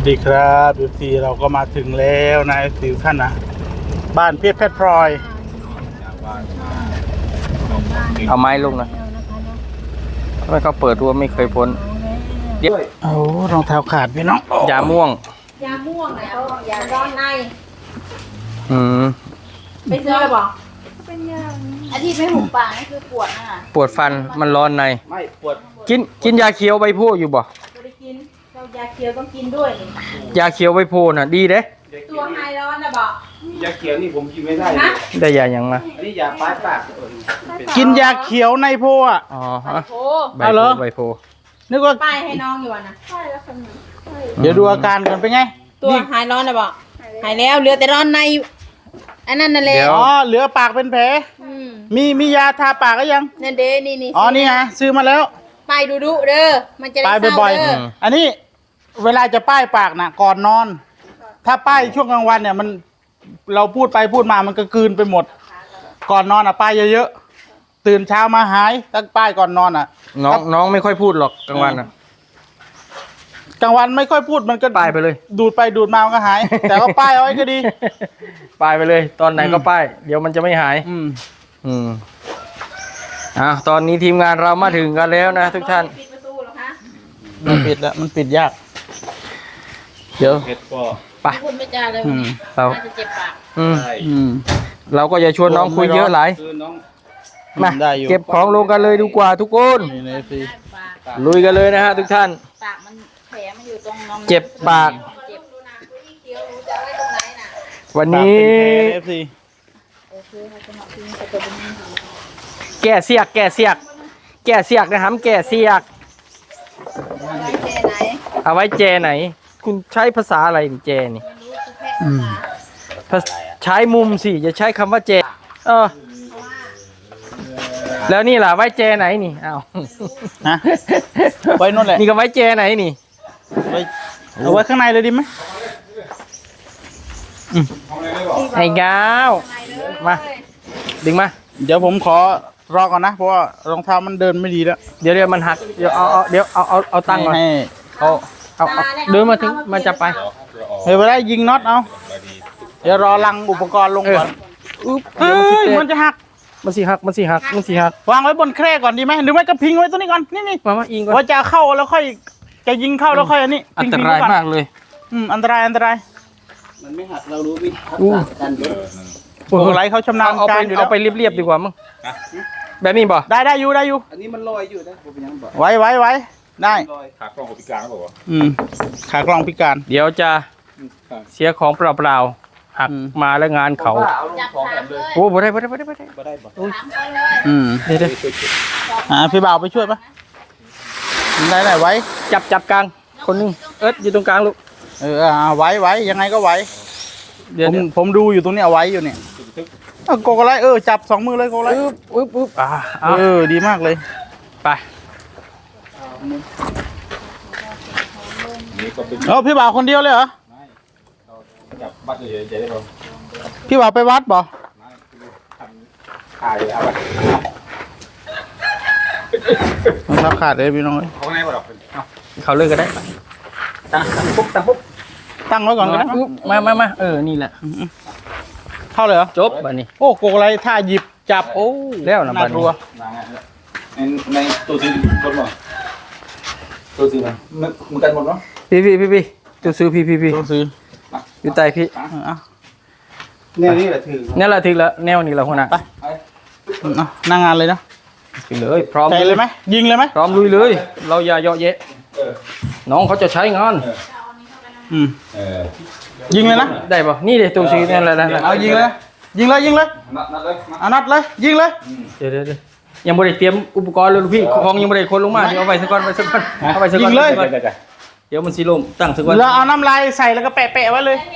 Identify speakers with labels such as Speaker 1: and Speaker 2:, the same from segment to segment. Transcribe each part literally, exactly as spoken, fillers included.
Speaker 1: ดีครับดูทีเราก็มาถึงแล้วนายสิวท่านนะบ้านเพชรเพชรพลอย
Speaker 2: เอาไม้ลงนะทำไมเขาเปิดรั้วไม่เคยพ้นเดี๋ยว
Speaker 1: โอ้รองเท้าขาดพี่น้อง
Speaker 2: ยาม่วง
Speaker 3: ยาม่วงนะเขายาร้อนใน
Speaker 2: อืม
Speaker 3: ไปซื้อเลยบอกเป็นยาอันที่ไม่หุบปากนี่คือปวดนะ
Speaker 2: ปวดฟันมันร้อนใน
Speaker 1: ไม่ปวด
Speaker 2: กินกินยาเขียวใบโพอยู่บ่
Speaker 3: ไม่ได้กินเรายาเขียวต้องกินด้วย
Speaker 2: ยาเขียวใบโพน่ะดีเด้
Speaker 3: ตัวไฮร้อนนะบอก
Speaker 4: ยาเขียวนี่ผมกินไม่ได้
Speaker 2: ได้ยาอย่างมา
Speaker 4: อันนี้ยาป้ายปาก
Speaker 1: กินยาเขียวในโพอ่ะ
Speaker 2: อ๋อ
Speaker 3: ฮะ
Speaker 2: ใบโพใบโพ
Speaker 1: นึกว่า
Speaker 3: ป้ายให้น้องอยู่นะใช่แล้วคน
Speaker 1: เดี๋ยวดูอาการกันเป็นไง
Speaker 3: ตัวหายร้อนนะบอกหายแล้วเหลือแต่ร้อนในอันนั้นนั่นแหละ
Speaker 1: อ๋อเหลือปากเป็นแผลมีมียาทาปากก็ยัง
Speaker 3: นั่นเด้นี่นี่
Speaker 1: อ๋อนี่ไงซื้อมาแล้ว
Speaker 3: ป้ายดูดูเด้อมันจะได้เศร้าเด้อ
Speaker 1: อันนี้เวลาจะป้ายปากนะก่อนนอนถ้าป้ายช่วงกลางวันเนี่ยมันเราพูดไปพูดมามันก็กลืนไปหมดก่อนนอนอ่ะป้ายเยอะๆตื่นเช้ามาหายตั้งป้ายก่อนนอนอ่ะ
Speaker 2: น้องน้องไม่ค่อยพูดหรอกกลางวันอ่ะ
Speaker 1: กลางวันไม่ค่อยพูดมันก็
Speaker 2: ป้ายไปเลย
Speaker 1: ดูดไปดูดมามันก็หายแต่ก็ป้ายเอาไว้ก็ดี
Speaker 2: ป้ายไปเลยตอนไหนก็ป้ายเดี๋ยวมันจะไม่หาย
Speaker 1: อืม
Speaker 2: อืมอ่ะตอนนี้ทีมงานเรามาถึงกันแล้วนะทุกท่าน
Speaker 3: ปิดประตูหรอคะ
Speaker 1: มันปิดแล้วมันปิดยากเดี๋ยว
Speaker 4: เห็ดก็
Speaker 2: ไป
Speaker 3: คุณไม่จ่ายเลย
Speaker 2: เรา
Speaker 3: จะเจ็บปาก
Speaker 2: อืม
Speaker 1: อืม
Speaker 2: เราก็จะชวนน้องคุยเยอะหลายมาเก็บของลงกันเลยดีกว่าทุกคนลุยกันเลยนะฮะทุกท่าน
Speaker 3: ปากมันแผลมันอยู่ตรงน้อง
Speaker 2: เจ็บปาก
Speaker 3: เจ็บดูนะที่เคี้ยวรู้จะไว้ตรงไหนน่ะ
Speaker 2: วันนี้แก่เสียกแก่เสียกแก่เสียกนะครับแก่เสียกเอาไว้เจไหนคุณใช้ภาษาอะไรเจนี่ใช้มุมสิจะใช้คำว่าเจเออแล้วนี่ล่ะไว้เจไหนนี่อ้าว
Speaker 1: ฮะไว้นู่นแหละ
Speaker 2: นี่ก็ไว้เจไหนนี่
Speaker 1: ไว้เอาไว้ข้างในเลยดีไหม
Speaker 2: ไอ้ก้าวมาดึงมา
Speaker 1: เดี๋ยวผมขอรอก่อนนะเพราะว่ารองเท้ามันเดินไม่ดีแล้ว
Speaker 2: เดี๋ยวเดี๋ยวมันหักเดี๋ยวเอาเอาเดี๋ยวเอาเอาเอาตั้งก่อน
Speaker 1: ให้เอา
Speaker 2: เอาเดินมาถึงมันจะไป
Speaker 1: เฮ้ยไปได้ยิงน็อตเอาเดี๋ยวรอลังอุปกรณ์ลงก่อนเฮ้ยมันจะหัก
Speaker 2: มันสีหักมันสีหักมันสีหัก
Speaker 1: วางไว้บนแคร่ก่อนดีไหมหรือไม่ก็พิงไว้ตัวนี้ก่อนนี่นี่
Speaker 2: มามาอิงก่อน
Speaker 1: ว่าจะเข้าแล้วค่อยจะยิงเข้าแล้วค่อยอันนี้
Speaker 2: อันตรายมากเลย
Speaker 1: อืมอันตรายอันตราย
Speaker 4: มันไม่หักเรารู้วิธีการเดิน
Speaker 1: โอ้โหไรเขาชำนาญการอยู่
Speaker 2: เอาไปเรียบๆดีกว่ามั้งแบบนี้บ่
Speaker 1: ได้ได้อยู่ได้อยู่
Speaker 4: อันนี้มันลอยอยู่นะผมยังบอก
Speaker 1: ไว้ไว้ไว้ได้
Speaker 4: ขากล้องพิการเขาบอกว่า
Speaker 1: อืมขากล้องพิการ
Speaker 2: เดี๋ยวจะเสียของเปล่าๆหักมาแล้วงานเขาโอ้บ่ได้บ่ได้บ่ได้บ่ได้
Speaker 4: บ่ได้บ่
Speaker 1: อืม
Speaker 2: เดี๋ยว
Speaker 1: อ่าพี่บ่าวไปช่วยปะได้ไหนไว้
Speaker 2: จับจับกลางคนนึงเอิร์ธอยู่ตรงกลางลูก
Speaker 1: เออไว้ไว้ยังไงก็ไว้ผมผมดูอยู่ตรงนี้เอาไว้อยู่เนี่ยโกโกไลเออจับสองมือเลยโกโกไล
Speaker 2: ปึ๊บปึ๊บปึ๊บอ่า
Speaker 1: เออดีมากเลย
Speaker 2: ไป
Speaker 1: เออพี่บ่าวคนเดียวเลยเหรอ
Speaker 4: จับบัตรเฉยๆได้ป่ะ
Speaker 1: พี่บ่าวไปวัดบ่
Speaker 4: ถ่ายเอาไป
Speaker 1: มันรับขาดเลยพี่น้อง
Speaker 4: เขาไงบ่ดอก
Speaker 2: เขาเลิกก็ได้
Speaker 4: ตั้งตั้งปุ๊บตั้งปุ๊บ
Speaker 1: ตั้งไว้ก่อนก็ได้
Speaker 2: มามามาเออนี่แหละ
Speaker 1: เข้าเลยเหรอ
Speaker 2: จบบัดนี้
Speaker 1: โอ้โกอะไรท่าหยิบจับโอ้
Speaker 2: แล้วนะบัดนี้
Speaker 4: ในในตัวซื้อบนบ่ตัวซื้อมันมึงกันหมดเนาะ
Speaker 2: พี่พี่พี่พี่ตัวซื้อพี่พี่พี่
Speaker 1: ตัวซื้อ
Speaker 2: อยู่ใต้พี่
Speaker 4: แนวนี้แหละถือ
Speaker 2: นี่แหละถึงแล้วแนวนี้แหละหัวหน้า
Speaker 1: ไปนั่งงานเลยนะ
Speaker 2: ไปเลยพร้อม
Speaker 1: เลยไหมยิงเลยไหม
Speaker 2: พร้อมลุยเลยเราอย่าเยาะเยะน้องเขาจะใช้งาน
Speaker 1: อืมยิงเลยนะ
Speaker 2: ได้ป่ะนี่เดี๋ยวตัวซื้อนี่แหละ
Speaker 1: เอายิงเลยยิงเลยยิงเลยเอานัดเลยยิงเลย
Speaker 2: เดี๋ยวเดี๋ยวยังไม่ได้เตรียมอุปกรณ์เลยลูกพี่ของยังไม่ได้คนลงมาเดี๋ยวเอาไปสักก้อนไปสักก้อนเอาไปสักก้อนยิงเลยเดี๋ยวมันซีลมตั้งสักก้อน
Speaker 1: แล้วเอาน้ำลายใส่แล้วก็แปะแปะไว้เลย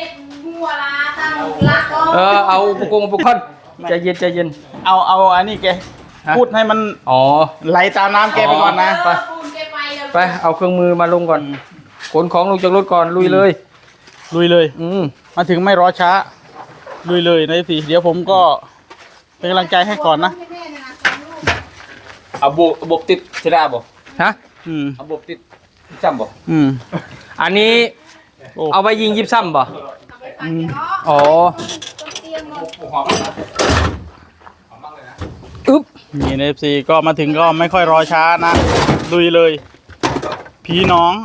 Speaker 2: เออเอาอุปกรณ์อุปกรณ์ใจเย็นใจเย็น
Speaker 1: เอาเอาอันนี้แกพูดให้มัน
Speaker 2: อ๋อ
Speaker 1: ไหลตามน้ำแกไปก่อนนะ
Speaker 2: ไปไปเอาเครื่องมือมาลงก่อนขนของลงจากรถก่อนลุยเลย
Speaker 1: ลุยเลย
Speaker 2: อืม
Speaker 1: มาถึงไม่รอช้าลุยเลยนะสิเดี๋ยวผมก็เป็นกำลังใจให้ก่อนนะ
Speaker 4: เอาโบโบติดใช่ไหมบ่
Speaker 2: ฮะ
Speaker 4: อืมเอาโบติดจำบ่
Speaker 2: อืมอันนี้
Speaker 1: โอ้
Speaker 2: เอาไปยิงยิบซ้ำบ่
Speaker 1: อืม
Speaker 2: อ๋อ
Speaker 3: เตรียมหมด
Speaker 4: หอมมากนะหอมมากเลยนะ
Speaker 2: อึ๊บ
Speaker 1: นี่เอฟซีก็มาถึงก็ไม่ค่อยรอช้านะลุยเลยพี่น้อง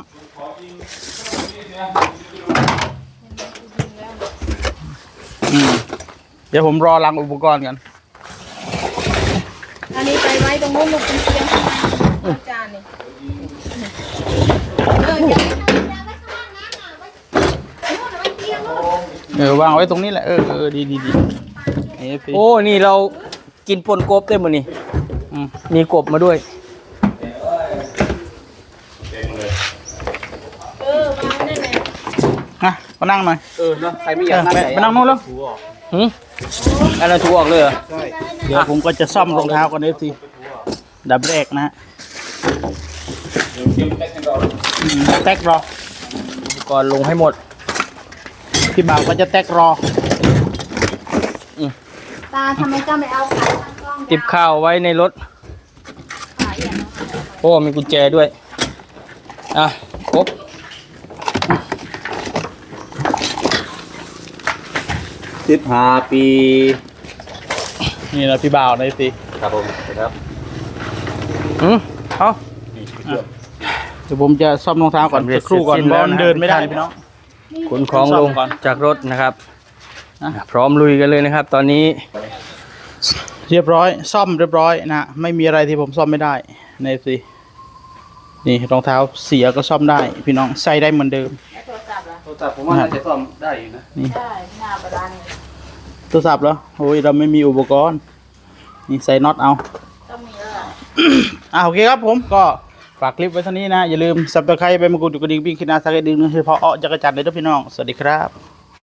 Speaker 1: อืมเดี๋ยวผมรอรังอุปกรณ์กัน
Speaker 3: อันนี้ไปไว้ตรงนู้นลูกเป็นเตียงข้างในจานนี่เออจะ
Speaker 1: เออวางไว้ตรงนี้แหละเออเออดีดีดีเอฟซี
Speaker 2: โอ้นี่เรากินปนกบได้หมดนี่
Speaker 1: อืม
Speaker 2: มีกบมาด้วย
Speaker 3: เออวางได้ไหม
Speaker 1: นะมานั่งหน่อย
Speaker 4: เออนะใครไม่อยากนั่ง
Speaker 1: ไปไปนั่งนู้นแล้ว
Speaker 2: หืมอันนั้นถูกออกเลยเหรอ
Speaker 1: เดี๋ยวผมก็จะซ่อมรองเท้ากันเอฟซีดับแรกนะฮะ
Speaker 4: เดี๋ยวเตรียมแพ็คให้เรา
Speaker 1: อืมแตกรอ
Speaker 2: ก่อนลงให้หมด
Speaker 1: พี่บ่าวก็จะแตกรอ
Speaker 3: ตาทำไมเจ้าไม่เอาขาตั้งกล้อง
Speaker 2: ติบข้าวไว้ในรถ
Speaker 3: ขาอย่างนั้น
Speaker 2: โอ้มีกุญแจด้วย อ่ะครบ
Speaker 4: สิบห้าปี
Speaker 1: นี่นะพี่บ่าวนะเอฟซี
Speaker 4: ครับผมครับ
Speaker 2: อืมเอา
Speaker 1: เดี๋ยวผมจะซ่อมรองเท้าก่อนสักครู่ก่อนเพราะมันเดินไม่ได้พี่น้อง
Speaker 2: ขนของลง
Speaker 1: ซ่อมก่อน
Speaker 2: จากรถนะครับ
Speaker 1: อ่ะ
Speaker 2: พร้อมลุยกันเลยนะครับ ตอนนี้
Speaker 1: เรียบร้อยซ่อมเรียบร้อยนะไม่มีอะไรที่ผมซ่อมไม่ได้ในเอฟซีนี่รองเท้าเสียก็ซ่อมได้ พี่น้องใส่ได้เหมือนเดิม
Speaker 3: โทรศัพท์ล่ะ
Speaker 4: โทรศัพท์ผมว่าน่าจะซ่อมได้อยู่นะ
Speaker 3: ได้หน้าประดานเลย
Speaker 1: โทรศัพท์เหรอโอ้ยเราไม่มีอุปกรณ์นี่ใส่น็อตเอา
Speaker 3: ต้องมีแล้วล่ะ
Speaker 1: อ่าโอเคครับผมก็ฝากคลิปไว้เท่านี้นะ อย่าลืมซับสไครต์ไปมากดกระดิ่งปิ้งขึ้นหน้าสักกระดิ่งเฉพาะอ้อจักรจันทร์เลยทุกพี่น้อง สวัสดีครับ